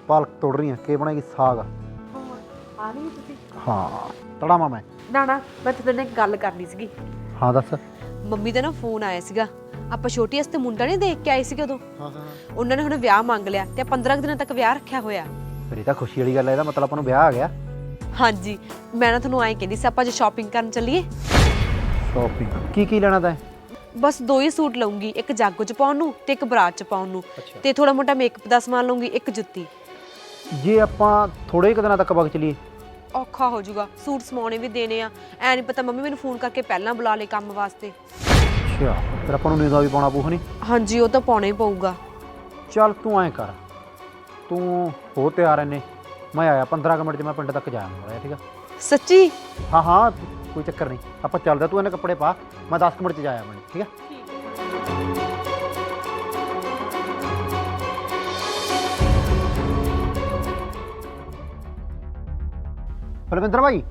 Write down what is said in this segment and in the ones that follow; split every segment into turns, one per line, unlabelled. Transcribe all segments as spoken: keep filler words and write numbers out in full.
पालक तोड़ रही है के बनाएगी साग
ਆ ਨਹੀਂ ਤੁਸੀਂ
हाँ तड़ावा मैं
ਨਾ ਨਾ ਮੈਂ ਤੁਹਾਡੇ ਨਾਲ ਇੱਕ ਗੱਲ ਕਰਨੀ ਸੀਗੀ
हाँ दस
ਮੰਮੀ ਦਾ ਨਾ ਫੋਨ ਆਇਆ ਸੀਗਾ ਆਪਾਂ ਛੋਟੀ ਵਾਸਤੇ ਮੁੰਡਾ ਨਹੀਂ ਦੇਖ ਕੇ ਆਏ ਸੀਗੇ ਉਦੋਂ
हाँ हाँ
ਉਹਨਾਂ ਨੇ ਹੁਣ ਵਿਆਹ ਮੰਗ ਲਿਆ ਤੇ ਪੰਦਰਾਂ ਕੁ ਦਿਨਾਂ ਤੱਕ ਵਿਆਹ ਰੱਖਿਆ ਹੋਇਆ
फिर तो खुशी वाली गल है मतलब अपन ब्याह आ गया
ਹਾਂਜੀ ਮੈਂ ਨਾ ਤੁਹਾਨੂੰ ਐਂ ਕਹਿੰਦੀ ਸੀ ਆਪਾਂ ਜੇ ਸ਼ਾਪਿੰਗ ਕਰਨ ਚੱਲੀਏ
शॉपिंग की की लेना था
ਬਸ ਦੋ ਹੀ ਸੂਟ ਲਵਾਂਗੀ ਇੱਕ ਜਾਗੋ ਚ ਪਾਉਣ ਨੂੰ ਤੇ ਇੱਕ ਬਰਾਤ ਚ ਪਾਉਣ ਨੂੰ
ਅੱਛਾ।
ਤੇ ਥੋੜਾ ਮੋਟਾ ਮੇਕਅਪ ਦਾ ਸਮਾਨ ਲਵਾਂਗੀ ਇੱਕ ਜੁੱਤੀ
जे ਆਪਾਂ ਥੋੜੇ ਕੁ ਦਿਨਾਂ ਤੱਕ ਵਗ ਚਲੀਏ
ਔਖਾ ਹੋ ਜਾਊਗਾ ਸੂਟ ਸਮਾਉਣੇ ਵੀ ਦੇਣੇ ਆ ਐ ਨਹੀਂ ਪਤਾ ਮੰਮੀ ਮੈਨੂੰ ਫੋਨ ਕਰਕੇ ਪਹਿਲਾਂ ਬੁਲਾ ਲੇ ਕੰਮ ਵਾਸਤੇ
ਅੱਛਾ ਫਿਰ ਆਪਾਂ ਨੂੰ ਨੀਂਦਾ ਵੀ ਪਾਉਣਾ ਪਊ ਨਹੀਂ
ਹਾਂਜੀ ਉਹ ਤਾਂ ਪਾਉਣਾ ਹੀ ਪਊਗਾ
ਚੱਲ ਤੂੰ ਐਂ ਕਰ ਤੂੰ ਹੋ ਤਿਆਰ ਐਨੇ ਮੈਂ ਆਇਆ ਪੰਦਰਾਂ ਕੁ ਮਿੰਟ 'ਚ ਮੈਂ ਪਿੰਡ ਤੱਕ ਜਾ ਆਉਂਗਾ ਠੀਕ ਆ
ਸੱਚੀ
ਹਾਂ ਹਾਂ ਕੋਈ ਚੱਕਰ ਨਹੀਂ ਆਪਾਂ ਚੱਲਦੇ ਤੂੰ ਇਹਨੇ ਕੱਪੜੇ ਪਾ ਮੈਂ ਦਸ ਕੁ ਮਿੰਟ 'ਚ ਜਾ ਆਵਾਂ ਠੀਕ ਆ बलविंदर भाई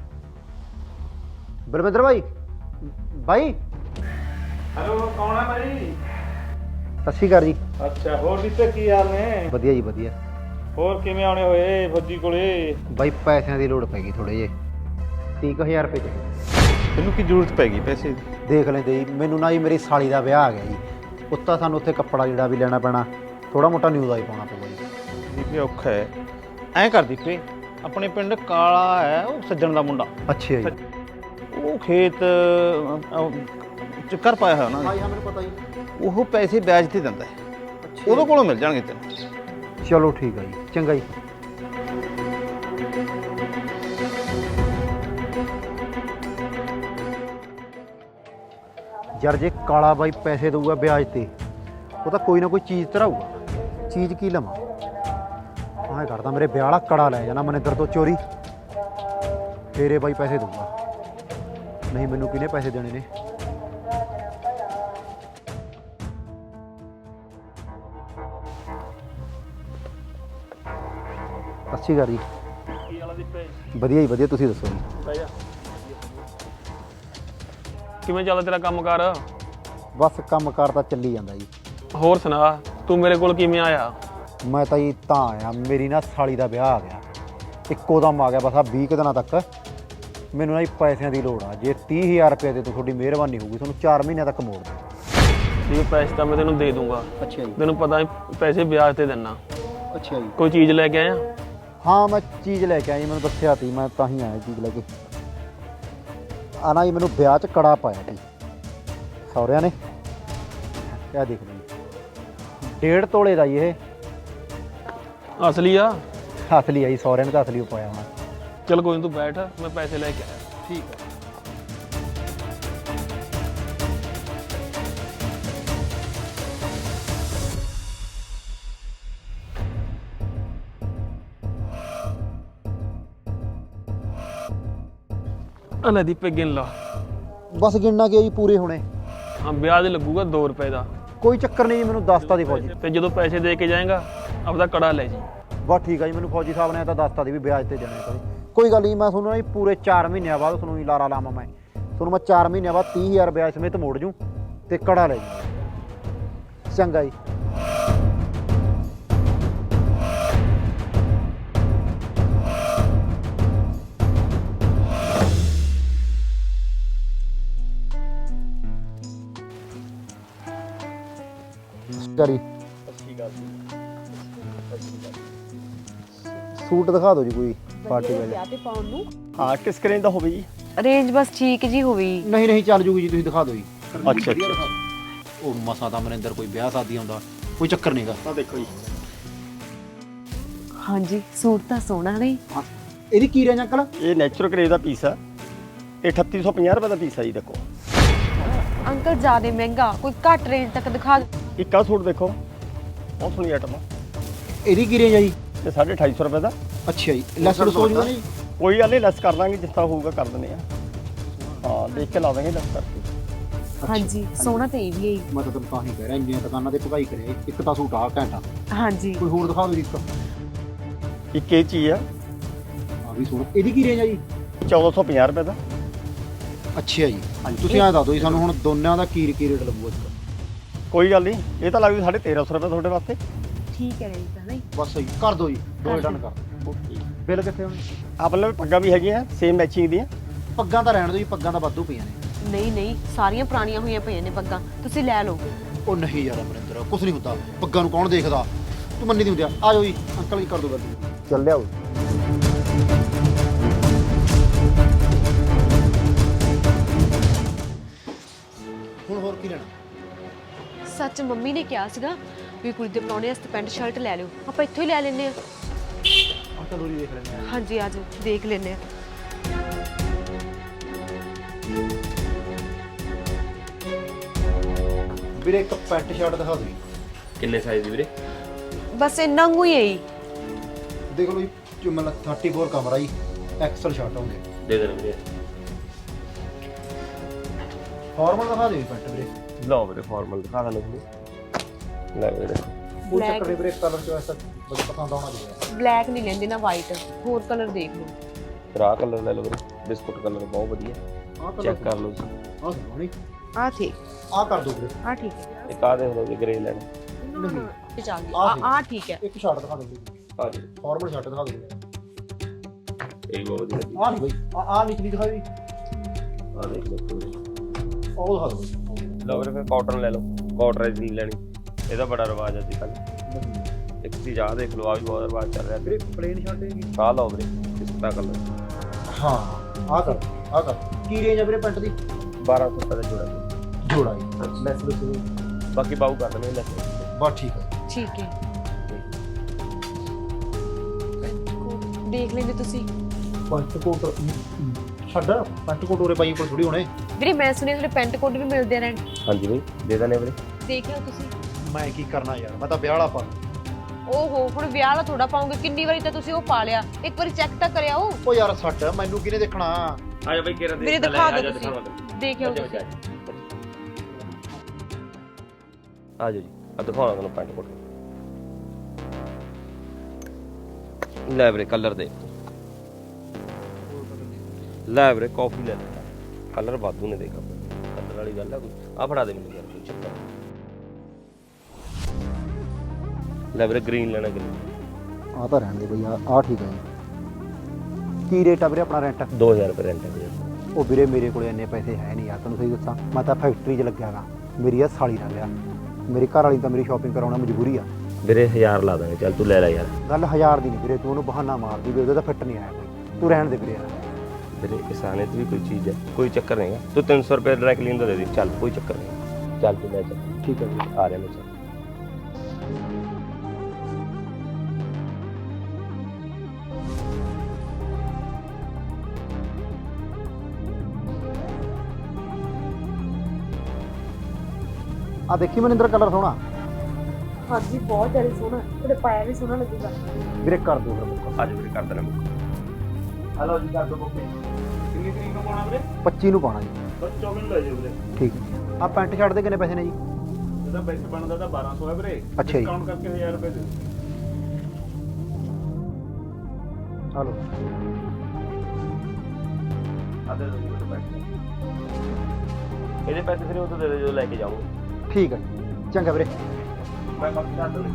बलविंदर भाई भाई
हेलो कौन है भाई
सत श्री अकाल जी
अच्छा होर दीपे की हाल ने
ਵਧੀਆ ਜੀ ਵਧੀਆ
ਹੋਰ ਕਿਵੇਂ ਆਉਣੇ ਹੋਏ ਫੌਜੀ ਕੋਲੇ
ਬਾਈ ਪੈਸਿਆਂ ਦੀ ਲੋੜ ਪੈ ਗਈ ਥੋੜੇ ਜੇ ਤੀਹ ਹਜ਼ਾਰ ਰੁਪਏ ਚ
ਤੈਨੂੰ ਕੀ ਜ਼ਰੂਰਤ ਪੈ ਗਈ ਪੈਸੇ ਦੀ
ਦੇਖ ਲੈਂਦੇ ਜੀ ਮੈਨੂੰ ਨਾ ਜੀ ਮੇਰੀ ਸਾਲੀ ਦਾ ਵਿਆਹ ਆ ਗਿਆ ਜੀ ਉੱਤਾ ਸਾਨੂੰ ਉੱਥੇ ਕੱਪੜਾ ਜਿਹੜਾ ਵੀ ਲੈਣਾ ਪੈਣਾ ਥੋੜਾ ਮੋਟਾ ਨਿਊਜ਼ ਦਾ ਹੀ ਪਾਉਣਾ ਪਊਗਾ ਜੀ
ਦੀਪੇ ਔਖਾ ਹੈ ਐਂ ਕਰ ਦੀਪੇ ਆਪਣੇ ਪਿੰਡ ਕਾਲਾ ਹੈ ਉਹ ਸੱਜਣ ਦਾ ਮੁੰਡਾ
ਅੱਛਾ ਜੀ
ਉਹ ਖੇਤ ਚੱਕਰ ਪਾਇਆ ਹੋਇਆ ਉਹਨਾਂ
ਹਾਂ
ਨੇ
ਹਾਂ ਮੈਨੂੰ ਪਤਾ ਜੀ
ਉਹ ਪੈਸੇ ਵਿਆਜ ਤੇ ਦਿੰਦਾ ਹੈ ਉਹਦੇ ਕੋਲੋਂ ਮਿਲ ਜਾਣਗੇ ਤੈਨੂੰ
ਚਲੋ ਠੀਕ ਆ ਜੀ ਚੰਗਾ ਜੀ ਯਾਰ ਜੇ ਕਾਲਾ ਬਾਈ ਪੈਸੇ ਦਊਗਾ ਵਿਆਜ ਤੇ ਉਹ ਤਾਂ ਕੋਈ ਨਾ ਕੋਈ ਚੀਜ਼ ਧਰਾਊਗਾ ਚੀਜ਼ ਕੀ ਲਵਾਂ ਆਹ ਕਰਦਾ ਮੇਰੇ ਵਿਆਹ ਵਾਲਾ ਕੜਾ ਲੈ ਜਾਣਾ ਮਨਿੰਦਰ ਤੋਂ ਚੋਰੀ ਫੇਰੇ ਬਾਈ ਪੈਸੇ ਦਊਗਾ ਨਹੀਂ ਮੈਨੂੰ ਕਿਹਨੇ ਪੈਸੇ ਦੇਣੇ ਨੇ ਅੱਛੀ ਗੱਲ ਜੀ
ਕੀ ਵਾਲਾ ਦੀਪੇ
ਵਧੀਆ ਜੀ ਵਧੀਆ ਤੁਸੀਂ ਦੱਸੋ ਜੀ
ਬਹਿ ਜਾ ਕਿਵੇਂ ਚੱਲਦਾ ਤੇਰਾ ਕੰਮ ਕਰ
ਬਸ ਕੰਮ ਕਾਰ ਤਾਂ ਚੱਲੀ ਜਾਂਦਾ ਜੀ
ਹੋਰ ਸੁਣਾ ਤੂੰ ਮੇਰੇ ਕੋਲ ਕਿਵੇਂ ਆਇਆ
ਮੈਂ ਤਾਂ ਜੀ ਤਾਂ ਆਇਆ ਮੇਰੀ ਨਾ ਸਾਲੀ ਦਾ ਵਿਆਹ ਆ ਗਿਆ ਇੱਕੋ ਦਮ ਆ ਗਿਆ ਬਸ ਆ ਵੀਹ ਕੁ ਦਿਨਾਂ ਤੱਕ ਮੈਨੂੰ ਨਾ ਜੀ ਪੈਸਿਆਂ ਦੀ ਲੋੜ ਆ ਜੇ ਤੀਹ ਹਜ਼ਾਰ ਰੁਪਏ ਦੇ ਤੋਂ ਤੁਹਾਡੀ ਮਿਹਰਬਾਨੀ ਹੋਊਗੀ ਤੁਹਾਨੂੰ ਚਾਰ ਮਹੀਨਿਆਂ ਤੱਕ ਮੋੜ ਦੇ
ਇਹ ਪੈਸੇ ਤਾਂ ਮੈਂ ਤੈਨੂੰ ਦੇ ਦੂੰਗਾ
ਅੱਛਾ ਜੀ
ਤੈਨੂੰ ਪਤਾ ਪੈਸੇ ਵਿਆਜ ਤੇ ਦੇਣਾ
ਅੱਛਾ ਜੀ
ਕੋਈ ਚੀਜ਼ ਲੈ ਕੇ ਆਇਆ
ਹਾਂ ਮੈਂ ਚੀਜ਼ ਲੈ ਕੇ ਆਈ ਮੈਨੂੰ ਦੱਸਿਆ ਤੀ ਮੈਂ ਤਾਂ ਹੀ ਆਇਆ ਚੀਜ਼ ਲੈ ਕੇ ਆ ਨਾ ਜੀ ਮੈਨੂੰ ਵਿਆਹ 'ਚ ਕੜਾ ਪਾਇਆ ਸੀ ਸਹੁਰਿਆਂ ਨੇ ਕਿਆ ਦੇਖ ਲਓ ਜੀ ਡੇਢ ਤੋਲੇ ਦਾ ਜੀ ਇਹ
ਅਸਲੀ ਆ
ਅਸਲੀ ਆਈ ਸਹੁਰਿਆਂ ਨੇ ਤਾਂ ਅਸਲੀ ਓ ਪਾਇਆ ਹੋਣਾ
ਚਲ ਕੋਈ ਨੀ ਤੂੰ ਬੈਠ ਮੈਂ ਪੈਸੇ ਲੈ ਕੇ ਆਇਆ
ਠੀਕ ਹੈ
ਅਲੇ ਦੀਪੇ ਗਿਣ ਲਾ
ਬਸ ਗਿਣਨਾ ਕੀ ਆ ਜੀ ਪੂਰੇ ਹੋਣੇ
ਹਾਂ ਵਿਆਜ ਲੱਗੂਗਾ ਦੋ ਰੁਪਏ ਦਾ
ਕੋਈ ਚੱਕਰ ਨਹੀਂ ਜੀ ਮੈਨੂੰ ਦੱਸਤਾ ਦੀ ਫੌਜੀ
ਤੇ ਜਦੋਂ ਪੈਸੇ ਦੇ ਕੇ ਜਾਏਗਾ ਆਪਦਾ ਕੜਾ ਲੈ ਜੀ
ਬਸ ਠੀਕ ਆ ਜੀ ਮੈਨੂੰ ਫੌਜੀ ਸਾਹਿਬ ਨੇ ਤਾਂ ਦੱਸਤਾ ਦੀ ਵੀ ਵਿਆਜ ਤੇ ਦੇਣੇ ਕਦੇ ਕੋਈ ਗੱਲ ਨਹੀਂ ਮੈਂ ਤੁਹਾਨੂੰ ਨਾ ਜੀ ਪੂਰੇ ਚਾਰ ਮਹੀਨਿਆਂ ਬਾਅਦ ਤੁਹਾਨੂੰ ਹੀ ਲਾਰਾ ਲਾਵਾਂ ਮੈਂ ਤੁਹਾਨੂੰ ਮੈਂ ਚਾਰ ਮਹੀਨਿਆਂ ਬਾਅਦ ਤੀਹ ਹਜ਼ਾਰ ਵਿਆਜ ਸਮੇਤ ਮੋੜ ਜੂ ਤੇ ਕੜਾ ਲੈ ਜੂ ਚੰਗਾ ਜੀ ਕਰੀ ਸੂਟ ਦਿਖਾ ਦਿਓ ਜੀ ਕੋਈ ਪਾਰਟੀ ਵਾਲੇ
ਵਿਆਹ ਤੇ ਪਾਉਣ ਨੂੰ
ਹਾਂ ਕਿਸ ਕਰੇਂਜ ਦਾ ਹੋਵੇ ਜੀ
ਰੇਂਜ ਬਸ ਠੀਕ ਜੀ ਹੋਵੇ
ਨਹੀਂ ਨਹੀਂ ਚੱਲ ਜੂਗੀ ਜੀ ਤੁਸੀਂ ਦਿਖਾ ਦਿਓ ਜੀ
ਅੱਛਾ ਅੱਛਾ
ਉਹ ਮਸਾ ਦਾ ਮਨਿੰਦਰ ਕੋਈ ਵਿਆਹ ਸ਼ਾਦੀ ਆਉਂਦਾ ਕੋਈ ਚੱਕਰ ਨਹੀਂਗਾ
ਤਾਂ ਦੇਖੋ ਜੀ
ਹਾਂਜੀ ਸੂਟ ਤਾਂ ਸੋਹਣਾ ਨਹੀਂ
ਇਹਦੀ ਕੀ ਰੇਂਜ ਅੰਕਲ
ਇਹ ਨੈਚੁਰਲ ਕਰੇਜ ਦਾ ਪੀਸ ਆ ਇਹ ਅਠੱਤੀ ਸੌ ਪੰਜਾਹ ਰੁਪਏ ਦਾ ਪੀਸ ਆ ਜੀ ਦੇਖੋ
ਅੰਕਲ ਜ਼ਿਆਦਾ ਮਹਿੰਗਾ ਕੋਈ ਘੱਟ ਰੇਂਜ ਤੱਕ ਦਿਖਾ ਦਿਓ।
ਇੱਕ ਆਹ ਸੂਟ ਦੇਖੋ ਬਹੁਤ ਸੋਹਣੀ ਆਈਟਮ ਆ
ਇਹਦੀ ਕੀ ਰੇਂਜ ਆ ਜੀ
ਇਹ ਸਾਢੇ ਅਠਾਈ ਸੌ ਰੁਪਏ ਦਾ
ਅੱਛਾ ਜੀ ਲੈਸ ਲੁਸ ਹੋ ਜੂਗਾ ਨਹੀਂ
ਕੋਈ ਗੱਲ ਨਹੀਂ ਲੈਸ ਕਰ ਦਾਂਗੇ ਜਿੱਥਾ ਹੋਊਗਾ ਕਰ ਦਿੰਦੇ ਆ ਹਾਂ ਦੇਖ ਕੇ ਲਾ ਦਾਂਗੇ ਲੈਸ ਕਰਕੇ
ਹਾਂਜੀ ਸੋਹਣਾ ਤੇ ਇਹ ਵੀ ਹੈ
ਮੈਂ ਤਾਂ ਤੁਹਾਨੂੰ ਤਾਂ ਹੀ ਕਹਿ ਰਿਹਾ ਇੰਨੀਆਂ ਦੁਕਾਨਾਂ ਤੇ ਭਗਾਈ ਕਰਿਆ ਇੱਕ ਤਾਂ ਸੂਟ ਆ ਘੰਟਾ
ਹਾਂਜੀ
ਕੋਈ ਹੋਰ ਦਿਖਾ ਦਿਓ ਜੀ ਇੱਕ
ਇੱਕ ਇਹ ਚੀਜ਼ ਆ
ਆ ਵੀ ਸੋਹਣਾ ਇਹਦੀ ਕੀ ਰੇਂਜ ਆ ਜੀ
ਚੌਦਾਂ ਸੌ ਪੰਜਾਹ ਰੁਪਏ ਦਾ
ਅੱਛਾ ਜੀ ਤੁਸੀਂ ਐਂ ਦੱਸ ਦਿਓ ਜੀ ਸਾਨੂੰ ਹੁਣ ਦੋਨਾਂ ਦਾ ਕੀ ਕੀ ਰੇਟ ਲੱਗੂਗਾ ਇਸ ਦਾ
ਕੋਈ ਗੱਲ ਨਹੀਂ ਇਹ ਤਾਂ ਲੱਗਦੀ ਸਾਢੇ ਤੇਰਾਂ ਸੌ ਰੁਪਏ ਤੁਹਾਡੇ ਵਾਸਤੇ
ਠੀਕ ਹੈ ਰੇਂਜ ਤਾਂ ਨਹੀਂ।
ਬਸ ਸਹੀ ਕਰ ਦਿਓ ਜੀ, ਦੋ ਡਨ ਕਰ ਦਿਓ।
ਓਕੇ
ਬਿੱਲ ਕਿੱਥੇ ਹੁਣ?
ਆਪਣੇ ਲਈ ਪੱਗਾਂ ਵੀ ਹੈਗੀਆਂ ਸੇਮ ਮੈਚਿੰਗ ਦੀਆਂ।
ਪੱਗਾਂ ਤਾਂ ਰਹਿਣ ਦਿਓ ਜੀ, ਪੱਗਾਂ ਤਾਂ ਵਾਧੂ ਪਈਆਂ ਨੇ।
ਨਹੀਂ ਨਹੀਂ, ਸਾਰੀਆਂ ਪੁਰਾਣੀਆਂ ਹੋਈਆਂ ਪਈਆਂ ਨੇ ਪੱਗਾਂ, ਤੁਸੀਂ ਲੈ ਲਓ।
ਉਹ ਨਹੀਂ ਯਾਰ ਅਮਰਿੰਦਰ, ਕੁਛ ਨਹੀਂ ਹੁੰਦਾ, ਪੱਗਾਂ ਨੂੰ ਕੌਣ ਦੇਖਦਾ, ਤੂੰ ਮੰਨੀ ਨਹੀਂ ਹੁੰਦੀ। ਆ ਜਾਓ ਜੀ ਅੰਕਲ ਜੀ, ਕਰ ਦਿਓ ਗੱਲ। ਚੱਲ ਲਿਆਓ। ਹੁਣ ਹੋਰ ਕੀ ਲੈਣਾ?
ਸੱਚ ਮੰਮੀ ਨੇ ਕਿਹਾ ਸੀਗਾ ਵੀ ਕੁੜੀ ਦੇ ਪ੍ਰਾਹੁਣੇ ਵਾਸਤੇ ਪੈਂਟ ਸ਼ਰਟ ਲੈ ਲਿਓ, ਆਪਾਂ ਇੱਥੋਂ ਹੀ ਲੈ ਲੈਂਦੇ ਆ।
ਆ ਚਲੋ ਜੀ ਦੇਖ ਲੈਂਦੇ ਆ।
ਹਾਂਜੀ ਆ ਜਾਓ, ਦੇਖ ਲੈਂਦੇ ਆ।
ਵੀਰੇ ਇੱਕ ਪੈਂਟ ਸ਼ਰਟ ਦਿਖਾ ਦਿਓ ਜੀ।
ਕਿੰਨੇ ਸਾਈਜ਼ ਦੀ ਵੀਰੇ?
ਬਸ ਇੰਨਾ ਕੁ ਹੀ ਹੈ ਜੀ।
ਦੇਖ ਲਓ ਜੀ, ਜੋ ਮਤਲਬ ਚੌਂਤੀ ਕਮਰਾ ਜੀ, ਐਕਸਲ ਸ਼ਰਟ ਹੋਣਗੇ।
ਦੇ ਦੇਣਾ ਵੀਰੇ।
ਫਾਰਮਲ ਦਿਖਾ ਦਿਓ ਜੀ ਪੈਂਟ ਵੀਰੇ।
ਲਓ ਵੀਰੇ ਫਾਰਮਲ ਦਿਖਾ ਦਾਂ ਤੁਹਾਨੂੰ। ਲੈ ਵੀਰੇ।
ਉਹ ਚੱਕਰ ਦੇ ਵੀਰੇ, ਕਲਰ ਚੋਇਸ ਬੜਾ ਪਸੰਦ ਆਉਣਾ ਚਾਹੀਦਾ।
ਬਲੈਕ ਨਹੀਂ ਲੈਂਦੇ ਨਾ ਵਾਈਟ, ਹੋਰ ਕਲਰ ਦੇਖ ਲਓ।
ਫਿਰ ਆਹ ਕਲਰ ਲੈ ਲਓ ਵੀਰੇ, ਬਿਸਕੁਟ ਕਲਰ ਬਹੁਤ ਵਧੀਆ।
ਆਹ ਕਲਰ
ਚੈੱਕ ਕਰ ਲਓ ਤੁਸੀਂ।
ਆਹ ਸੋਹਣੀ।
ਆ ਠੀਕ,
ਆਹ ਕਰ ਦਿਓ ਵੀਰੇ।
ਆ ਠੀਕ ਹੈ।
ਇੱਕ ਆਹ ਦੇਖ ਲਓ ਜੀ ਗ੍ਰੇ ਲੈਣਾ।
ਨਹੀਂ
ਇਹ ਆ ਗਈ। ਆ ਆ ਠੀਕ ਹੈ।
ਇੱਕ ਸ਼ਰਟ ਦਿਖਾ ਦਿਓ ਵੀਰੇ,
ਆ ਜੀ
ਫਾਰਮਲ ਸ਼ਰਟ ਦਿਖਾ ਦਿਓ।
ਇਹ ਬਹੁਤ ਵਧੀਆ ਲੱਗੀ।
ਆਹ ਨਹੀਂ ਬਈ, ਆਹ ਆਹ ਨਿਕਲੀ ਦਿਖਾਓ ਜੀ।
ਆਹ ਦੇਖ ਲਓ ਪੂਰੀ।
ਉਹ ਦਿਖਾ ਦਿਓ।
ਲਓ ਵੀਰੇ ਫਿਰ ਕਾਟਨ ਲੈ ਲਓ, ਕਾਟਰਾਈਜ਼ ਨਹੀਂ ਲੈਣੀ, ਇਹਦਾ ਬੜਾ ਰਿਵਾਜ ਅੱਜ ਕੱਲ੍ਹ। ਇੱਕ ਚੀਜ਼ ਆਹ ਦੇਖ ਲਓ, ਆ ਵੀ ਬਹੁਤ ਰਿਵਾਜ ਚੱਲ ਰਿਹਾ
ਵੀਰੇ
ਵੀਰੇ।
ਪਲੇਨ ਸ਼ਰਟ ਹੈਗੀ।
ਆਹ ਲਓ ਵੀਰੇ ਪਿਸਤਾ ਕਲਰ।
ਹਾਂ ਆਹ ਕਰ, ਆਹ ਕਰ। ਕੀ ਰੇਂਜ ਆ ਵੀਰੇ ਪੈਂਟ ਦੀ?
ਬਾਰਾਂ ਸੌ ਰੁਪਏ ਦਾ ਜੋੜਾ ਜੀ।
ਜੋੜਾ ਜੀ, ਲੈਸ ਲੈਸ
ਬਾਕੀ ਬਾਊ ਕਰ ਦੇਣੇ ਲੈਸ।
ਬਸ ਠੀਕ ਹੈ।
ਠੀਕ ਹੈ, ਦੇਖ ਲੈਂਦੇ ਤੁਸੀਂ।
ਪੈਂਟ ਕੋਟ ਛੱਡ, ਪੈਂਟ ਕੋਟ ਉਰੇ ਪਾਈ ਕੋਲ ਥੋੜੀ ਹੋਣੇ।
ਵੀਰੇ ਮੈਂ ਸੁਣਿਆ ਤੁਹਾਡੇ ਪੈਂਟ ਕੋਟ ਵੀ ਮਿਲਦੇ ਰਹਿਣ।
ਹਾਂਜੀ ਬਈ ਦੇ ਦੇਣੇ ਵੀਰੇ।
ਦੇਖ ਲਓ ਤੁਸੀਂ।
ਮੈਂ ਕੀ ਕਰਨਾ ਯਾਰ, ਮੈਂ ਤਾਂ ਵਿਆਹ ਵਾਲਾ ਪਾ।
ਓਹੋ, ਹੁਣ ਵਿਆਹ ਵਾਲਾ ਥੋੜਾ ਪਾਉਂਗੇ, ਕਿੰਨੀ ਵਾਰੀ ਤਾਂ ਤੁਸੀਂ ਉਹ ਪਾ ਲਿਆ, ਇੱਕ ਵਾਰੀ ਚੈੱਕ ਤਾਂ ਕਰਿਆ ਉਹ।
ਉਹ ਯਾਰ ਛੱਡ, ਮੈਨੂੰ ਕਿਹਨੇ ਦੇਖਣਾ।
ਆ ਜਾ ਬਈ ਕਿਹੜਾ
ਵੀਰੇ ਦਿਖਾ ਦਿਓ ਤੁਸੀਂ, ਦੇਖਿਓ ਤੁਸੀਂ।
ਆ ਜਾਓ ਜੀ, ਆ ਦਿਖਾਉਣਾ ਤੁਹਾਨੂੰ ਪੈਂਟ ਕੋਟ। ਲੈ ਵੀਰੇ ਕਲਰ ਦੇ। ਲੈ ਵੀਰੇ ਕਾਫੀ ਲੈ ਲੈ, ਕਲਰ ਵਾਧੂ ਨੇ ਦੇਖ ਆਪਣੇ। ਕਲਰ ਵਾਲੀ ਗੱਲ ਆ ਕੋਈ? ਆ ਫੜਾ ਦੇ ਮੈਨੂੰ ਯਾਰ ਕੋਈ ਚੱਕਰ। ਲੈ ਵੀਰੇ ਗ੍ਰੀਨ ਲੈਣਾ, ਗ੍ਰੀਨ।
ਆਹ ਤਾਂ ਰਹਿਣ ਦੇ ਬਈ, ਆਹ ਆਹ ਠੀਕ ਹੈ ਜੀ। ਕੀ ਰੇਟ ਆ ਵੀਰੇ ਆਪਣਾ ਰੈਂਟ?
ਦੋ ਹਜ਼ਾਰ ਰੁਪਏ ਰੈਂਟ ਹੈ ਵੀਰੇ।
ਉਹ ਵੀਰੇ ਮੇਰੇ ਕੋਲ ਇੰਨੇ ਪੈਸੇ ਹੈ ਨਹੀਂ ਯਾਰ, ਤੈਨੂੰ ਸਹੀ ਦੱਸਾਂ। ਮੈਂ ਤਾਂ ਫੈਕਟਰੀ 'ਚ ਲੱਗਿਆ ਗਾ, ਮੇਰੀ ਆ ਸਾਲੀ ਨਾਲ ਲਿਆ। ਮੇਰੀ ਘਰ ਵਾਲੀ ਤਾਂ ਮੇਰੀ ਸ਼ਾਪਿੰਗ ਕਰਾਉਣਾ ਮਜਬੂਰੀ ਆ।
ਵੀਰੇ ਹਜ਼ਾਰ ਲਾ ਦਾਂਗੇ, ਚੱਲ ਤੂੰ ਲੈ ਲੈ ਯਾਰ।
ਗੱਲ ਹਜ਼ਾਰ ਦੀ ਨਹੀਂ ਵੀਰੇ, ਤੂੰ ਉਹਨੂੰ ਬਹਾਨਾ ਮਾਰਦੀ ਵੀ ਉਹਦੇ ਤਾਂ ਫਿੱਟ ਨਹੀਂ ਆਇਆ ਕੋਈ। ਤੂੰ ਰਹਿਣ ਦੇ ਵੀਰੇ ਯਾਰ।
ਵੀਰੇ ਕਿਸਾਨੇ ਤੇ ਵੀ ਕੋਈ ਚੀਜ਼ ਹੈ, ਕੋਈ ਚੱਕਰ ਨਹੀਂ ਹੈ। ਤੂੰ ਤਿੰਨ ਸੌ ਰੁਪਏ ਡਰਾਈ ਕਲੀਨ ਦਾ ਦੇ ਦੇ, ਚੱਲ ਕੋਈ ਚੱਕਰ ਨਹੀਂ। ਚੱਲ ਤੂੰ ਲੈ ਚੱਲ।
ਠੀਕ ਹੈ ਵੀਰੇ,
ਆ ਰਿਹਾ ਮੈਂ ਚੱਲ।
ਆ ਦੇਖੀ ਮਨਿੰਦਰ, ਕਲਰ ਸੋਹਣਾ।
ਹਾਂਜੀ ਬਹੁਤ ਜ਼ਿਆਦਾ ਸੋਹਣਾ, ਤੁਹਾਡੇ ਪਾਇਆ ਵੀ ਸੋਹਣਾ ਲੱਗੂਗਾ।
ਵੀਰੇ ਕਰ ਦੋ ਫਿਰ ਬੁੱਕ।
ਅੱਜ ਵੀਰੇ ਕਰ ਦੇਣਾ ਬੁੱਕ।
ਹਲੋ ਜੀ ਕਰ ਦੋ ਬੁੱਕ। ਕਿੰਨੀ ਤਰੀਕ ਨੂੰ ਪਾਉਣਾ ਵੀਰੇ?
ਪੱਚੀ ਨੂੰ ਪਾਣਾ ਜੀ।
ਬਸ ਚੌਵੀ ਨੂੰ ਲੈ ਜਾਓ ਵੀਰੇ।
ਠੀਕ ਹੈ। ਆ ਪੈਂਟ ਸ਼ਰਟ ਦੇ ਕਿੰਨੇ ਪੈਸੇ ਨੇ ਜੀ?
ਇਹਦਾ ਬੈਸਟ ਬਣਦਾ ਤਾਂ ਬਾਰਾਂ ਸੌ ਹੈ ਵੀਰੇ।
ਅੱਛਾ ਜੀ।
ਡਿਸਕਾਊਂਟ ਕਰਕੇ ਹਜ਼ਾਰ ਰੁਪਏ ਦੇ।
ਹਲੋ
ਆ ਦੇ ਦੋ ਵੀਰੇ ਪੈਸੇ। ਇਹਦੇ ਪੈਸੇ ਫਿਰ ਉਹ ਤੋਂ ਦੇ ਦੇ ਜੋ ਲੈ ਕੇ ਜਾਊਂਗਾ।
ਠੀਕ ਹੈ, ਚੰਗਾ ਵੀਰੇ।
ਮੈਂ ਬਾਕੀ ਕਰ ਦੂੰ।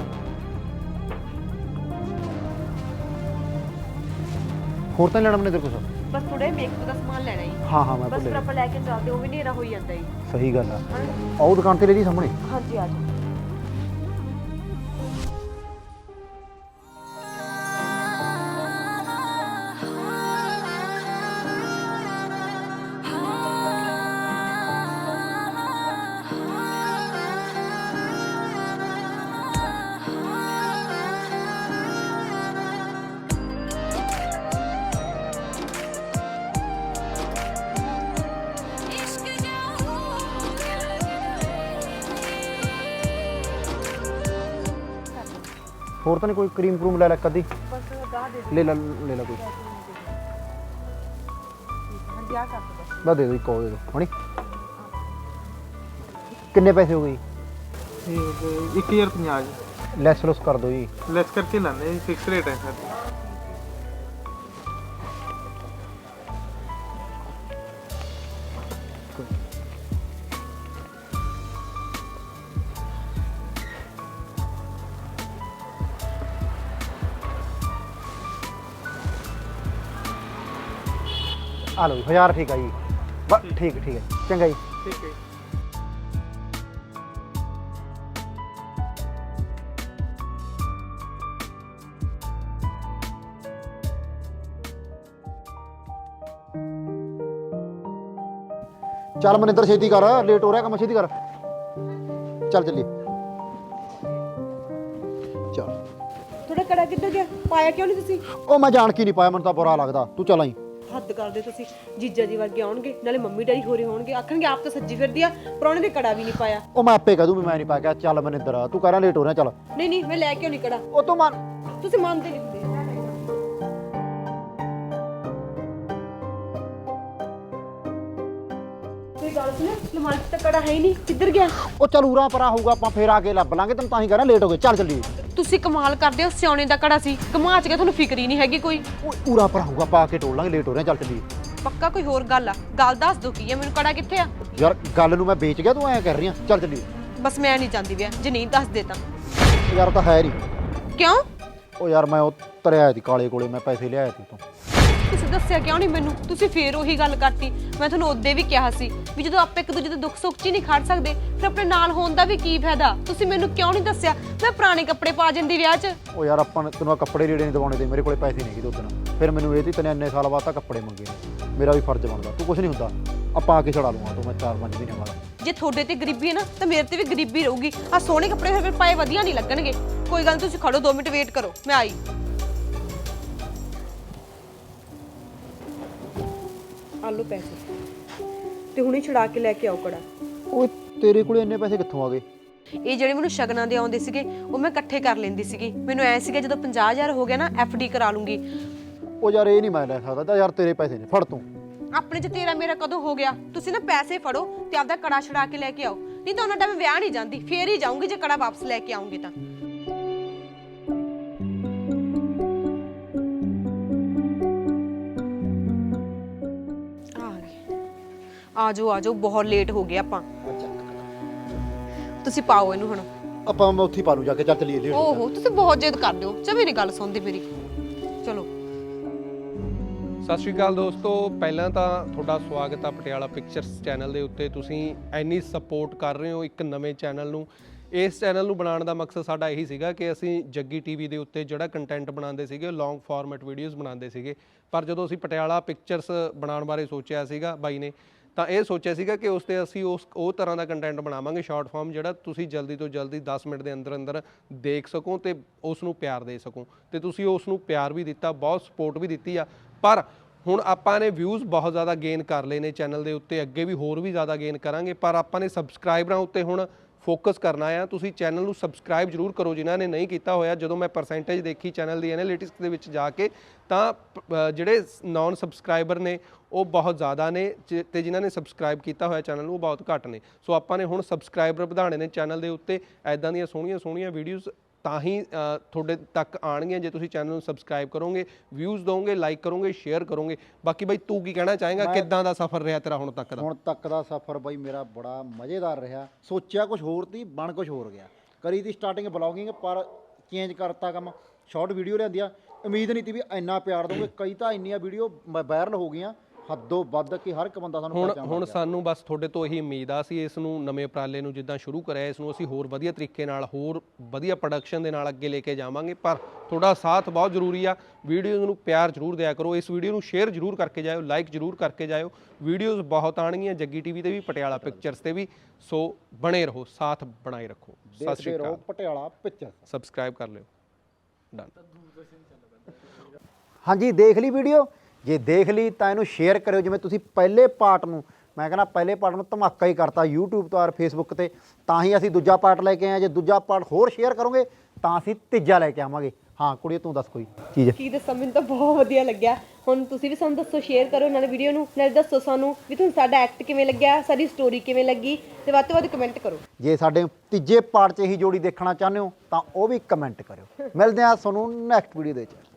ਹੋਰ ਤਾਂ ਨੀ ਲੈਣਾ ਮਨਿੰਦਰ ਕੁਛ?
ਬਸ ਥੋੜਾ ਮੇਕਅਪ ਦਾ ਸਮਾਨ ਲੈਣਾ ਹੀ।
ਹਾਂ ਹਾਂ ਮੈਂ
ਬਸ ਫਿਰ
ਭੁੱਲ
ਆਪਾਂ ਲੈ ਕੇ ਚੱਲਦੇ, ਉਹ ਵੀ ਹਨੇਰਾ ਹੋਈ ਜਾਂਦਾ ਹੀ।
ਸਹੀ ਗੱਲ ਆ। ਆਓ ਦੁਕਾਨ ਤੇ ਲੈ ਜੀ ਸਾਹਮਣੇ।
ਹਾਂਜੀ ਆ ਜਾਓ।
ਹੋਰ ਤਾਂ ਨਹੀਂ ਕੋਈ ਕਰੀਮ ਕਰੂਮ ਲੈ ਲੈ ਕਦੀ?
ਬਸ ਗਾਹ ਦੇ
ਲੈ ਲੈ ਲੈ ਲੈ ਕੋਈ।
ਹਾਂਜੀ ਆ ਕਰ ਦੋ।
ਬਸ ਦੇ ਦਿਓ, ਇੱਕ ਉਹ ਦੇ ਦਿਓ ਹਣੀ। ਕਿੰਨੇ ਪੈਸੇ ਹੋ ਗਏ?
ਇੱਕ ਹਜ਼ਾਰ ਪੰਜਾਹ ਜੀ।
ਲੈਸ ਲੁਸ ਕਰ ਦਿਓ ਜੀ।
ਲੈਸ ਕਰਕੇ ਲਾਉਂਦੇ ਜੀ, ਫਿਕਸ ਰੇਟ ਹੈ ਸਰ।
ਆ ਲਓ ਜੀ ਹਜ਼ਾਰ ਠੀਕ ਆ ਜੀ ਬਸ ਠੀਕ ਠੀਕ ਹੈ ਚੰਗਾ ਜੀ
ਠੀਕ ਹੈ
ਚੱਲ ਮਨਿੰਦਰ ਛੇਤੀ ਕਰ ਲੇਟ ਹੋ ਰਿਹਾ ਕੰਮ ਛੇਤੀ ਕਰ ਚੱਲ ਚੱਲੀਏ ਚੱਲ
ਤੁਹਾਡਾ ਕੜਾ ਕਿੱਧਰ ਗਿਆ ਪਾਇਆ ਕਿਉਂ ਨਹੀਂ ਤੁਸੀਂ
ਉਹ ਮੈਂ ਜਾਣ ਕੀ ਨਹੀਂ ਪਾਇਆ ਮੈਨੂੰ ਤਾਂ ਬੁਰਾ ਲੱਗਦਾ ਤੂੰ ਚੱਲ ਆਈ
ਹੱਦ ਕਰਦੇ ਤੁਸੀਂ ਜੀਜਾ ਜੀ ਵਰਗੇ ਆਉਣਗੇ ਨਾਲੇ ਮੰਮੀ ਡੈਡੀ ਹੋਰੇ ਹੋਣਗੇ ਆਖਣਗੇ ਆਪ ਤਾਂ ਸੱਜੀ ਫਿਰਦੀ ਆ ਪ੍ਰਾਹੁਣੇ ਦੇ ਕੜਾ ਵੀ ਨਹੀਂ ਪਾਇਆ
ਉਹ ਮੈਂ ਆਪੇ ਕਹਿ ਦੂੰ ਵੀ ਮੈਂ ਨਹੀਂ ਪਾਇਆ ਕਿਹਾ ਚੱਲ ਮਨਿੰਦਰ ਤੂੰ ਕਹਿ ਰਿਹਾ ਲੇਟ ਹੋ ਰਿਹਾ ਚੱਲ
ਨਹੀਂ ਨਹੀਂ ਮੈਂ ਲੈ ਕੇ ਨਹੀਂ ਕੜਾ
ਉਹ ਤੂੰ ਮੰਨ
ਤੁਸੀਂ ਮੰਨਦੇ ਨਹੀਂ ਹੁੰਦੇ ਕੋਈ ਗੱਲ ਸੁਣ ਲਮਾਰੀ 'ਚ ਤਾਂ ਕੜਾ ਹੈ ਹੀ ਨਹੀਂ ਕਿੱਧਰ ਗਿਆ
ਉਹ ਚੱਲ ਉਰਾ ਪਰਾ ਹੋਊਗਾ ਆਪਾਂ ਫੇਰ ਆ ਕੇ ਲੱਭ ਲਾਂਗੇ ਤੈਨੂੰ ਤਾਂ ਹੀ ਕਹਿ ਰਿਹਾ ਲੇਟ ਹੋ ਗਏ ਚੱਲ ਚੱਲੀਏ
ਤੁਸੀਂ ਕਮਾਲ ਕਰਦੇ ਹੋ ਸਿਆਉਣੇ ਦਾ ਕੜਾ ਸੀ ਕਮਾ ਚ ਗਿਆ ਤੁਹਾਨੂੰ ਫਿਕਰ ਹੀ ਨਹੀਂ ਹੈਗੀ ਕੋਈ
ਉਹ ਉਰਾ ਪਰਾ ਹੋਊਗਾ ਪਾ ਕੇ ਟੋਲ ਲਾਂਗੇ ਲੇਟ ਹੋ ਰਿਹਾ ਚੱਲ ਚੱਲੀਏ
ਪੱਕਾ ਕੋਈ ਹੋਰ ਗੱਲ ਆ ਗੱਲ ਦੱਸ ਦੋ ਕੀ ਹੈ ਮੈਨੂੰ ਕੜਾ ਕਿੱਥੇ ਆ
ਯਾਰ ਗੱਲ ਨੂੰ ਮੈਂ ਵੇਚ ਗਿਆ ਤੂੰ ਐਂ ਕਰ ਰਹੀ ਆ ਚੱਲ ਚੱਲੀਏ
ਬਸ ਮੈਂ ਨਹੀਂ ਚਾਹੁੰਦੀ ਵਿਆਹ ਜੇ ਨਹੀਂ ਦੱਸ ਦੇ ਤਾਂ
ਯਾਰ ਤਾਂ ਹੈ ਨਹੀਂ
ਕਿਉਂ
ਉਹ ਯਾਰ ਮੈਂ ਉਹ ਤਰਿਆ ਆਇਆ ਸੀ ਕਾਲੇ ਕੋਲੇ ਮੈਂ ਪੈਸੇ ਲਿਆਇਆ ਸੀ ਤੋਂ
ਤੁਸੀਂ ਦੱਸਿਆ ਕਿਉਂ ਨਹੀਂ ਮੈਨੂੰ ਤੁਸੀਂ ਫੇਰ ਉਹੀ ਗੱਲ ਕਰਤੀ ਮੈਂ ਤੁਹਾਨੂੰ ਉਹਦੇ ਵੀ ਕਿਹਾ ਸੀ ਵੀ ਜਦੋਂ ਆਪਾਂ ਇੱਕ ਦੂਜੇ ਦੇ ਦੁੱਖ ਸੁੱਖ 'ਚ ਹੀ ਨਹੀਂ ਖੜ ਸਕਦੇ ਫਿਰ ਆਪਣੇ ਨਾਲ ਹੋਣ ਦਾ ਵੀ ਕੀ ਫਾਇਦਾ ਤੁਸੀਂ ਮੈਨੂੰ ਕਿਉਂ ਨਹੀਂ ਦੱਸਿਆ ਮੈਂ ਪੁਰਾਣੇ ਕੱਪੜੇ ਪਾ ਜਾਂਦੀ ਵਿਆਹ 'ਚ
ਉਹ ਯਾਰ ਆਪਾਂ ਨੇ ਤੈਨੂੰ ਆਹ ਕੱਪੜੇ ਲੀੜੇ ਨਹੀਂ ਦਵਾਉਣੇ ਤੇ ਮੇਰੇ ਕੋਲੇ ਪੈਸੇ ਨਹੀਂ ਕਿਤੇ ਉਦੋਂ ਫਿਰ ਮੈਨੂੰ ਇਹ ਤੀ ਤੈਨੂੰ ਇੰਨੇ ਸਾਲ ਬਾਅਦ ਤਾਂ ਕੱਪੜੇ ਮੰਗੇ ਨੇ ਮੇਰਾ ਵੀ ਫਰਜ਼ ਬਣਦਾ ਤੂੰ ਕੁਝ ਨਹੀਂ ਹੁੰਦਾ ਆਪਾਂ ਆ ਕੇ ਛੜਾ ਲੂੰਗਾ ਤੂੰ ਮੈਂ ਚਾਰ ਪੰਜ ਮਹੀਨੇ ਬਾਅਦ
ਜੇ ਤੁਹਾਡੇ ਤੇ ਗਰੀਬੀ ਹੈ ਨਾ ਤਾਂ ਮੇਰੇ ਤੇ ਵੀ ਗਰੀਬੀ ਰਹੂਗੀ ਆ ਸੋਹਣੇ ਕੱਪੜੇ ਫਿਰ ਪਾਏ ਵਧੀਆ ਨਹੀਂ ਲੱਗਣਗੇ ਕੋਈ ਗੱਲ ਨੀ ਤੁਸੀਂ ਖੜੋ ਦੋ ਮਿੰਟ ਵੇਟ ਕਰੋ ਮੈਂ ਆਈ ਆਲੂ ਪੈਸੇ ਤੇ ਹੁਣੇ ਛੁਡਾ ਕੇ ਲੈ ਕੇ ਆਓ ਕੜਾ
ਓਏ ਤੇਰੇ ਕੋਲੇ ਇੰਨੇ ਪੈਸੇ ਕਿੱਥੋਂ ਆ ਗਏ
ਇਹ ਜਿਹੜੇ ਮੈਨੂੰ ਸ਼ਗਨਾਂ ਦੇ ਆਉਂਦੇ ਸੀਗੇ ਉਹ ਮੈਂ ਇਕੱਠੇ ਕਰ ਲੈਂਦੀ ਸੀਗੀ ਮੈਨੂੰ ਐ ਸੀਗਾ ਜਦੋਂ ਪੰਜਾਹ ਹਜ਼ਾਰ ਹੋ ਗਿਆ ਨਾ ਐਫ ਡੀ ਕਰਾ ਲੂੰਗੀ
ਉਹ ਯਾਰ ਇਹ ਨਹੀਂ ਮੈਂ ਲੈ ਸਕਦਾ ਤਾਂ ਯਾਰ ਤੇਰੇ ਪੈਸੇ ਨੇ ਫੜ ਤੂੰ
ਆਪਣੇ ਚ ਤੇਰਾ ਮੇਰਾ ਕਦੋਂ ਹੋ ਗਿਆ ਤੁਸੀਂ ਨਾ ਪੈਸੇ ਫੜੋ ਤੇ ਆਪਦਾ ਕੜਾ ਛੁਡਾ ਕੇ ਲੈ ਕੇ ਆਓ ਨਹੀਂ ਤਾਂ ਉਹਨਾਂ ਟਾਈਮ ਵਿਆਹ ਨਹੀਂ ਜਾਂਦੀ ਫੇਰ ਹੀ ਜਾਊਂਗੀ ਜੇ ਕੜਾ ਵਾਪਸ ਲੈ ਕੇ ਆਉਂਗੀ ਤਾਂ ਆ ਜਾਓ ਆ ਜਾਓ ਬਹੁਤ ਲੇਟ ਹੋ ਗਏ ਆਪਾਂ ਤੁਸੀਂ ਪਾਓ ਇਹਨੂੰ ਹੁਣ
ਆਪਾਂ ਮੈਂ ਉੱਥੇ ਪਾ ਲੂ ਜਾ ਕੇ ਚੱਲ ਚੱਲੀਏ ਲੇਟ
ਓਹੋ ਤੁਸੀਂ ਬਹੁਤ ਜਿੱਦ ਕਰਦੇ ਹੋ ਚਾ ਮੇਰੀ ਗੱਲ ਸੁਣਦੇ ਮੇਰੀ ਚਲੋ
ਸਤਿ ਸ਼੍ਰੀ ਅਕਾਲ ਦੋਸਤੋ ਪਹਿਲਾਂ ਤਾਂ ਤੁਹਾਡਾ ਸਵਾਗਤ ਆ ਪਟਿਆਲਾ ਪਿਕਚਰਸ ਚੈਨਲ ਦੇ ਉੱਤੇ ਤੁਸੀਂ ਇੰਨੀ ਸਪੋਰਟ ਕਰ ਰਹੇ ਹੋ ਇੱਕ ਨਵੇਂ ਚੈਨਲ ਨੂੰ ਇਸ ਚੈਨਲ ਨੂੰ ਬਣਾਉਣ ਦਾ ਮਕਸਦ ਸਾਡਾ ਇਹੀ ਸੀਗਾ ਕਿ ਅਸੀਂ ਜੱਗੀ ਟੀਵੀ ਦੇ ਉੱਤੇ ਜਿਹੜਾ ਕੰਟੈਂਟ ਬਣਾਉਂਦੇ ਸੀਗੇ ਲੌਂਗ ਫਾਰਮੈਟ ਵੀਡੀਓਜ਼ ਬਣਾਉਂਦੇ ਸੀਗੇ ਪਰ ਜਦੋਂ ਅਸੀਂ ਪਟਿਆਲਾ ਪਿਕਚਰਸ ਬਣਾਉਣ ਬਾਰੇ ਸੋਚਿਆ ਸੀਗਾ ਬਾਈ ਨੇ ਤਾਂ ਇਹ ਸੋਚਿਆ ਸੀਗਾ ਕਿ ਉਸ 'ਤੇ ਅਸੀਂ ਉਸ ਉਹ ਤਰ੍ਹਾਂ ਦਾ ਕੰਟੈਂਟ ਬਣਾਵਾਂਗੇ ਸ਼ਾਰਟ ਫਾਰਮ ਜਿਹੜਾ ਤੁਸੀਂ ਜਲਦੀ ਤੋਂ ਜਲਦੀ ਦਸ ਮਿੰਟ ਦੇ ਅੰਦਰ ਅੰਦਰ ਦੇਖ ਸਕੋ ਤੇ ਉਸ ਨੂੰ ਪਿਆਰ ਦੇ ਸਕੋ ਤੇ ਤੁਸੀਂ ਉਸ ਨੂੰ ਪਿਆਰ ਵੀ ਦਿੱਤਾ ਬਹੁਤ ਸਪੋਰਟ ਵੀ ਦਿੱਤੀ ਆ ਪਰ ਹੁਣ ਆਪਾਂ ਨੇ ਵਿਊਜ਼ ਬਹੁਤ ਜ਼ਿਆਦਾ ਗੇਨ ਕਰ ਲਏ ਨੇ ਚੈਨਲ ਦੇ ਉੱਤੇ ਅੱਗੇ ਵੀ ਹੋਰ ਵੀ ਜ਼ਿਆਦਾ ਗੇਨ ਕਰਾਂਗੇ ਪਰ ਆਪਾਂ ਨੇ ਸਬਸਕ੍ਰਾਈਬਰਾਂ ਉੱਤੇ ਹੁਣ ਫੋਕਸ ਕਰਨਾ ਆ ਤੁਸੀਂ ਚੈਨਲ ਨੂੰ ਸਬਸਕ੍ਰਾਈਬ ਜ਼ਰੂਰ ਕਰੋ ਜਿਨ੍ਹਾਂ ਨੇ ਨਹੀਂ ਕੀਤਾ ਹੋਇਆ ਜਦੋਂ ਮੈਂ ਪਰਸੈਂਟੇਜ ਦੇਖੀ ਚੈਨਲ ਦੀ ਐਨਾਲਿਟਿਕਸ ਦੇ ਵਿੱਚ ਜਾ ਕੇ ਤਾਂ ਜਿਹੜੇ ਨੌਨ ਸਬਸਕ੍ਰਾਈਬਰ ਨੇ ਉਹ ਬਹੁਤ ਜ਼ਿਆਦਾ ਨੇ ਤੇ ਜਿਨ੍ਹਾਂ ਨੇ ਸਬਸਕ੍ਰਾਈਬ ਕੀਤਾ ਹੋਇਆ ਚੈਨਲ ਨੂੰ ਉਹ ਬਹੁਤ ਘੱਟ ਨੇ ਸੋ ਆਪਾਂ ਨੇ ਹੁਣ ਸਬਸਕ੍ਰਾਈਬਰ ਵਧਾਉਣੇ ਨੇ ਚੈਨਲ ਦੇ ਉੱਤੇ ਐਦਾਂ ਦੀਆਂ ਸੋਹਣੀਆਂ ਸੋਹਣੀਆਂ ਵੀਡੀਓਜ਼ ਤਾਂ ਹੀ ਤੁਹਾਡੇ ਤੱਕ ਆਉਣਗੀਆਂ ਜੇ ਤੁਸੀਂ ਚੈਨਲ ਨੂੰ ਸਬਸਕ੍ਰਾਈਬ ਕਰੋਗੇ ਵਿਊਜ਼ ਦੋਗੇ ਲਾਈਕ ਕਰੋਗੇ ਸ਼ੇਅਰ ਕਰੋਗੇ ਬਾਕੀ ਬਾਈ ਤੂੰ ਕੀ ਕਹਿਣਾ ਚਾਹੇਗਾ ਕਿੱਦਾਂ ਦਾ ਸਫ਼ਰ ਰਿਹਾ ਤੇਰਾ ਹੁਣ ਤੱਕ ਦਾ
ਹੁਣ ਤੱਕ ਦਾ ਸਫ਼ਰ ਬਾਈ ਮੇਰਾ ਬੜਾ ਮਜ਼ੇਦਾਰ ਰਿਹਾ ਸੋਚਿਆ ਕੁਝ ਹੋਰ ਤੀ ਬਣ ਕੁਝ ਹੋਰ ਗਿਆ ਕਰੀ ਦੀ ਸਟਾਰਟਿੰਗ ਬਲੌਗਿੰਗ ਪਰ ਚੇਂਜ ਕਰਤਾ ਕੰਮ ਸ਼ਾਰਟ ਵੀਡੀਓ ਲਿਆਂਦੀਆਂ ਉਮੀਦ ਨਹੀਂ ਤੀ ਵੀ ਇੰਨਾ ਪਿਆਰ ਦੋਗੇ ਕਈ ਤਾਂ ਇੰਨੀਆਂ ਵੀਡੀਓ ਵਾਇਰਲ ਹੋ ਗਈਆਂ ਹੱਦੋਂ ਵੱਧ ਕਿ ਹਰ ਇੱਕ ਬੰਦਾ ਸਾਨੂੰ
ਹੁਣ ਹੁਣ ਸਾਨੂੰ ਬਸ ਤੁਹਾਡੇ ਤੋਂ ਇਹੀ ਉਮੀਦ ਆ ਅਸੀਂ ਇਸ ਨੂੰ ਨਵੇਂ ਉਪਰਾਲੇ ਨੂੰ ਜਿੱਦਾਂ ਸ਼ੁਰੂ ਕਰਿਆ ਇਸ ਨੂੰ ਅਸੀਂ ਹੋਰ ਵਧੀਆ ਤਰੀਕੇ ਨਾਲ ਹੋਰ ਵਧੀਆ ਪ੍ਰੋਡਕਸ਼ਨ ਦੇ ਨਾਲ ਅੱਗੇ ਲੈ ਕੇ ਜਾਵਾਂਗੇ ਪਰ ਤੁਹਾਡਾ ਸਾਥ ਬਹੁਤ ਜ਼ਰੂਰੀ ਆ ਵੀਡੀਓਜ਼ ਨੂੰ ਪਿਆਰ ਜ਼ਰੂਰ ਦਿਆ ਕਰੋ ਇਸ ਵੀਡੀਓ ਨੂੰ ਸ਼ੇਅਰ ਜ਼ਰੂਰ ਕਰਕੇ ਜਾਇਓ ਲਾਈਕ ਜ਼ਰੂਰ ਕਰਕੇ ਜਾਇਓ ਵੀਡੀਓਜ਼ ਬਹੁਤ ਆਉਣਗੀਆਂ ਜੱਗੀ ਟੀਵੀ ਤੇ ਵੀ ਪਟਿਆਲਾ ਪਿਕਚਰਸ ਤੇ ਵੀ ਸੋ ਬਣੇ ਰਹੋ ਸਾਥ ਬਣਾਈ ਰੱਖੋ ਸਤਿ ਸ਼੍ਰੀ ਅਕਾਲ
ਪਟਿਆਲਾ ਪਿਕਚਰ
ਸਬਸਕ੍ਰਾਈਬ ਕਰ ਲਿਓ ਡਨ
ਹਾਂਜੀ ਦੇਖ ਲਈ ਵੀਡੀਓ ਜੇ ਦੇਖ ਲਈ ਤਾਂ ਇਹਨੂੰ ਸ਼ੇਅਰ ਕਰਿਓ ਜਿਵੇਂ ਤੁਸੀਂ ਪਹਿਲੇ ਪਾਰਟ ਨੂੰ ਮੈਂ ਕਹਿੰਦਾ ਪਹਿਲੇ ਪਾਰਟ ਨੂੰ ਧਮਾਕਾ ਹੀ ਕਰਤਾ YouTube ਤੋਂ ਔਰ Facebook ਤੇ ਤਾਂ ਹੀ ਅਸੀਂ ਦੂਜਾ ਪਾਰਟ ਲੈ ਕੇ ਆਏ ਜੇ ਦੂਜਾ ਪਾਰਟ ਹੋਰ ਸ਼ੇਅਰ ਕਰੋਗੇ ਤਾਂ ਅਸੀਂ ਤੀਜਾ ਲੈ ਕੇ ਆਵਾਂਗੇ ਹਾਂ ਕੁੜੀਏ ਤੂੰ ਦੱਸ ਕੋਈ ਚੀਜ਼
ਕੀ ਦੱਸਾਂ ਮੈਨੂੰ ਤਾਂ ਬਹੁਤ ਵਧੀਆ ਲੱਗਿਆ ਹੁਣ ਤੁਸੀਂ ਵੀ ਸਾਨੂੰ ਦੱਸੋ ਸ਼ੇਅਰ ਕਰੋ ਨਾਲੇ ਵੀਡੀਓ ਨੂੰ ਨਾਲੇ ਦੱਸੋ ਸਾਨੂੰ ਵੀ ਤੁਹਾਨੂੰ ਸਾਡਾ ਐਕਟ ਕਿਵੇਂ ਲੱਗਿਆ ਸਾਡੀ ਸਟੋਰੀ ਕਿਵੇਂ ਲੱਗੀ ਤੇ ਵੱਧ ਤੋਂ ਵੱਧ ਕਮੈਂਟ ਕਰੋ
ਜੇ ਸਾਡੇ ਤੀਜੇ ਪਾਰਟ 'ਚ ਇਹੀ ਜੋੜੀ ਦੇਖਣਾ ਚਾਹੁੰਦੇ ਹੋ ਤਾਂ ਉਹ ਵੀ ਕਮੈਂਟ ਕਰਿਓ ਮਿਲਦੇ ਹਾਂ ਤੁਹਾਨੂੰ ਨੈਕਸਟ ਵੀਡੀਓ ਦੇ ਵਿੱਚ